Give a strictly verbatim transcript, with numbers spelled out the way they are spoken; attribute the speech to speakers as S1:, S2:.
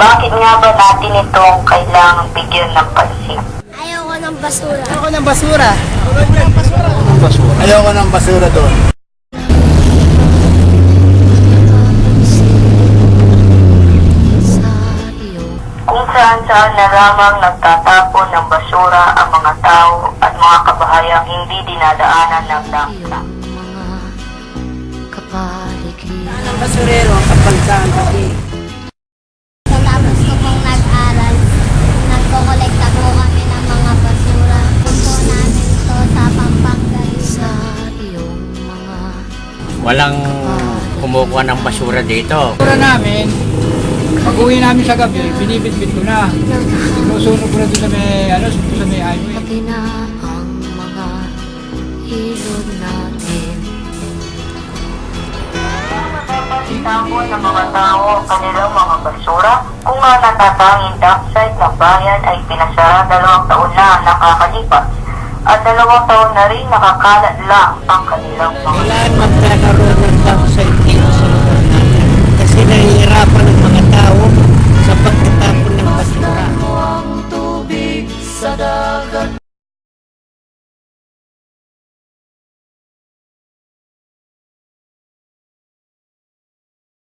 S1: Bakit nga ba natin itong kailangang bigyan ng pansin?
S2: Ayoko ng basura.
S3: Ayoko ng basura. Ayoko ng basura doon.
S1: Kung saan-saan na lamang nagtatapon ng basura ang mga tao at mga kabahayang hindi dinadaanan ng dangka.
S3: Saan ang basurero ang kapansaan kasi?
S2: Tapos ko pong nag-aral, nagko-kolekta po kami ng mga basura. Gusto namin to sa Pampanga.
S4: Walang kumukuha ng basura dito.
S5: Basura namin, pag uwi namin sa gabi, binibitbit ko na. Sinusunog ko na doon sa may, ano, sa may highway.
S6: ang mga ilog natin.
S1: Itapon ng mga tao ang kanilang mga basura kung nga natatanging dockside ng bayan ay pinasara dalawang taon na ang nakakalipas at dalawang taon na rin nakakalat lang ang kanilang mga
S3: Kailangan magkakaroon ng downside dito sa lugar natin. Kasi nahihirapan ng mga tao sa pagtatapon ng basura.
S6: Ang tubig sa dagat.